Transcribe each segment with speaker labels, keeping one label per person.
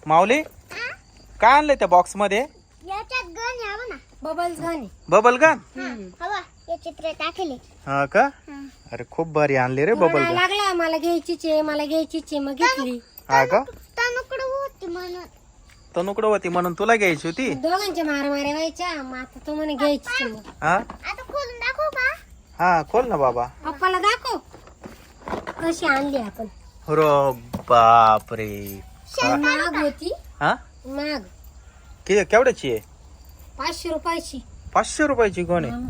Speaker 1: माऊली काय आणलंय त्या बॉक्स मध्ये?
Speaker 2: याच्यात गन आहे ना, बबल्स गन आहे.
Speaker 1: Bubble gun?
Speaker 2: हवा हे चित्र टाकले.
Speaker 1: हा का? अरे खूप भारी आणले रे बबल गन.
Speaker 2: लागला मला घ्यायचीच मला घ्यायचीच मग घेतली.
Speaker 1: हा का?
Speaker 2: तनुकडे होती म्हणून.
Speaker 1: तनुकडे होती म्हणून तुला घ्यायची होती.
Speaker 2: दोघांच्या मारामाऱ्या व्हायच्या, मग आता तू म्हणे घ्यायची मग.
Speaker 1: हा
Speaker 2: आता खोलून दाखव का?
Speaker 1: हा खोल ना बाबा.
Speaker 2: पप्पाला दाखव कशी आणली आपण.
Speaker 1: रो बाप रे.
Speaker 2: महाग होती.
Speaker 1: हा
Speaker 2: महाग.
Speaker 1: केवढ्याची आहे?
Speaker 2: 500 रुपयाची.
Speaker 1: 500 रुपयाची कोण आहे?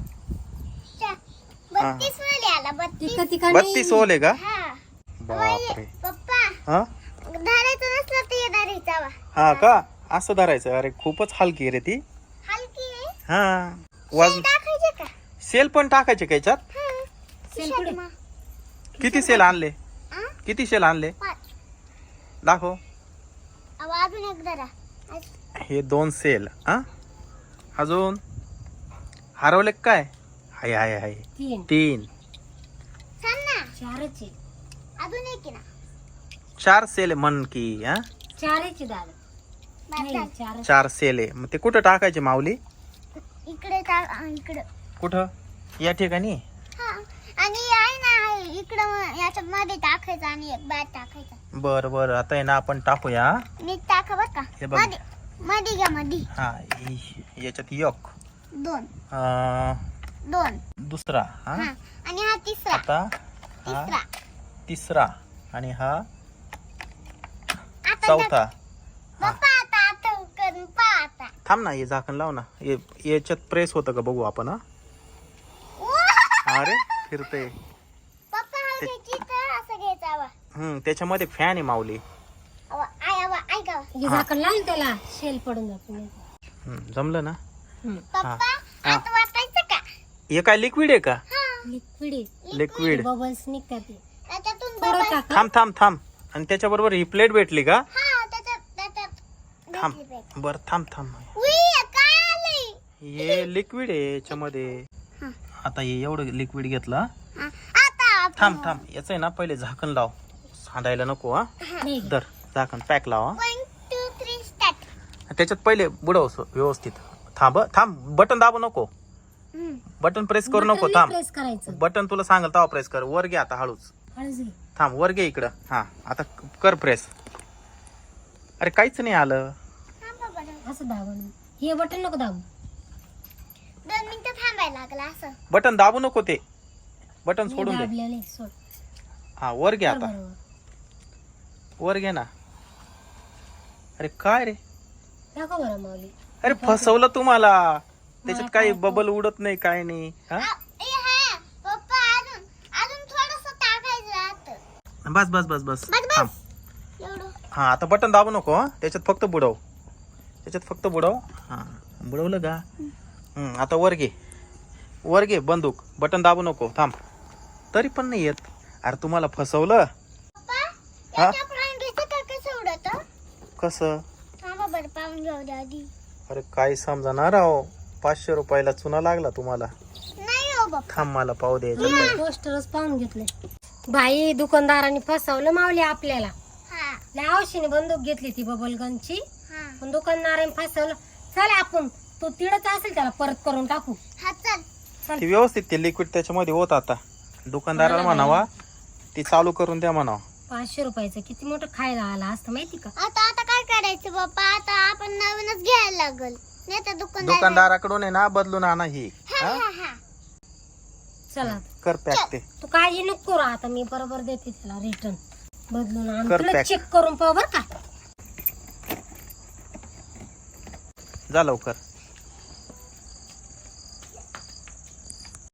Speaker 2: 32 वाली आला.
Speaker 1: 32 ओले का? बापरे.
Speaker 2: पप्पा
Speaker 1: हा
Speaker 2: धरायचं नसलं तर ये धरायचा.
Speaker 1: हा का? असं धरायचं? अरे खूपच हलकी आहे रे ती.
Speaker 2: हलकी आहे.
Speaker 1: हा वजन
Speaker 2: टाकायचे का?
Speaker 1: सेल पण टाकायचे का याच्यात?
Speaker 2: सेल कुठे?
Speaker 1: किती सेल आणले? किती सेल आणले?
Speaker 2: 5.
Speaker 1: दाखव.
Speaker 2: अजून एक धरा.
Speaker 1: हे 2 सेल. हा अजून हरवले काय? हाय हाय हाय 3.
Speaker 2: सांग ना. 4च आहे. अजून एक आहे ना.
Speaker 1: 4 सेल म्हण की. हा
Speaker 2: 4च दादा.
Speaker 1: 4 सेल आहे. मग ते कुठं टाकायचे माऊली?
Speaker 2: इकडे टाक. इकडे
Speaker 1: कुठं? या ठिकाणी?
Speaker 2: हा. आणि आहे ना इकडं याच्या मध्ये टाकायचं आणि एक बाहेर टाकायचा.
Speaker 1: बर बर आता आहे ना आपण टाकूया.
Speaker 2: नीट टाका बर का.
Speaker 1: हे बघ.
Speaker 2: मध्ये घ्या मध्ये.
Speaker 1: हा याच्यात 1
Speaker 2: 2
Speaker 1: दुसरा. हा
Speaker 2: आणि हा तिसरा.
Speaker 1: आता हा तिसरा आणि हा चौथा.
Speaker 2: पप्पा आता करून पहा आता.
Speaker 1: थांब ना हे झाकण लाव ना. याच्यात प्रेस होतं का बघू आपण. अरे फिरते.
Speaker 2: पप्पा हा घ्यायची तर असं घ्यायचं हवा.
Speaker 1: त्याच्यामध्ये फॅन आहे माऊली.
Speaker 2: ऐका झाकण लावून त्याला शेल पडून जातो.
Speaker 1: जमलं ना?
Speaker 2: पप्पा आता वाटायचं का?
Speaker 1: हे काय लिक्विड आहे का?
Speaker 2: लिक्विड बबल्स निघतात त्याच्यातून. थोडं टाका.
Speaker 1: थांब थांब थांब. आणि त्याच्या बरोबर ही प्लेट भेटली का?
Speaker 2: हा त्याच्यात
Speaker 1: थांब बर थांब थांब.
Speaker 2: काय आलंय?
Speaker 1: हे लिक्विड आहे याच्यामध्ये. आता हे एवढं लिक्विड घेतलं.
Speaker 2: आता
Speaker 1: थांब थांब याचं आहे ना पहिले झाकण लाव. सांडायला नको. हा दर झाकण पॅक लावा.
Speaker 2: 1 2 3 स्टार्ट.
Speaker 1: त्याच्यात पहिले बुडव व्यवस्थित. थांब थांब. बटन दाबू नको. बटन प्रेस करू नको. थांब.
Speaker 2: प्रेस करायचं.
Speaker 1: बटन तुला सांगल तेव्हा प्रेस कर. वर घे आता हळूच. थांब वर घे इकडं. हा आता कर प्रेस. अरे काहीच नाही आलं.
Speaker 2: असं दाबून हे बटन नको दाबू. 2 मिनिटं थांबायला लागला असं.
Speaker 1: बटन दाबू नको. ते बटन सोडून दे.
Speaker 2: दाबलेले सोड.
Speaker 1: हा वर घे आता. वर घे ना. अरे काय रे?
Speaker 2: दाखव बरं माऊली.
Speaker 1: अरे फसवलं तुम्हाला. त्याच्यात काही बबल उडत नाही काय नाही. हा
Speaker 2: पप्पा अजून थोडंसं टाकायचं.
Speaker 1: बस बस बस बस थांब.
Speaker 2: एवढं.
Speaker 1: हा आता बटन दाबू नको. त्याच्यात फक्त बुडव. त्याच्यात फक्त बुडव. हा बुडवलं का? आता वर घे. वर घे बंदूक. बटन दाबू नको. थांब. तरी पण नाही येत. अरे तुम्हाला फसवलं. हा कसं? अरे काय समजणार आहो. 500 रुपयाला चुना लागला तुम्हाला. थांब मला पाहू द्यायचं.
Speaker 2: पोस्टरच पाहून घेतले. बाई दुकानदारांनी फसवलं मावली आपल्याला. औषधी बंदूक घेतली ती बबलगनची. पण दुकानदारांनी फसवलं. चल आपण तो तिडच असेल त्याला परत करून टाकू.
Speaker 1: ती व्यवस्थित ते लिक्विड त्याच्यामध्ये होत. आता दुकानदाराला म्हणावा ती चालू करून द्या म्हणावं.
Speaker 2: 500 रुपयाचं किती मोठं खायला आला असतं माहिती का? आता काय करायचं बाप्पा? आता आपण नवीनच घ्यायला लागल. नाही तर
Speaker 1: दुकानदाराकडून आहे ना बदलून आणा ही.
Speaker 2: चला
Speaker 1: कर पॅक. ते
Speaker 2: तू काळजी नको करू. आता मी बरोबर देते त्याला रिटर्न बदलून आण.
Speaker 1: कर
Speaker 2: तुला
Speaker 1: पॅक.
Speaker 2: चेक करून पाहू बर का.
Speaker 1: जा लवकर.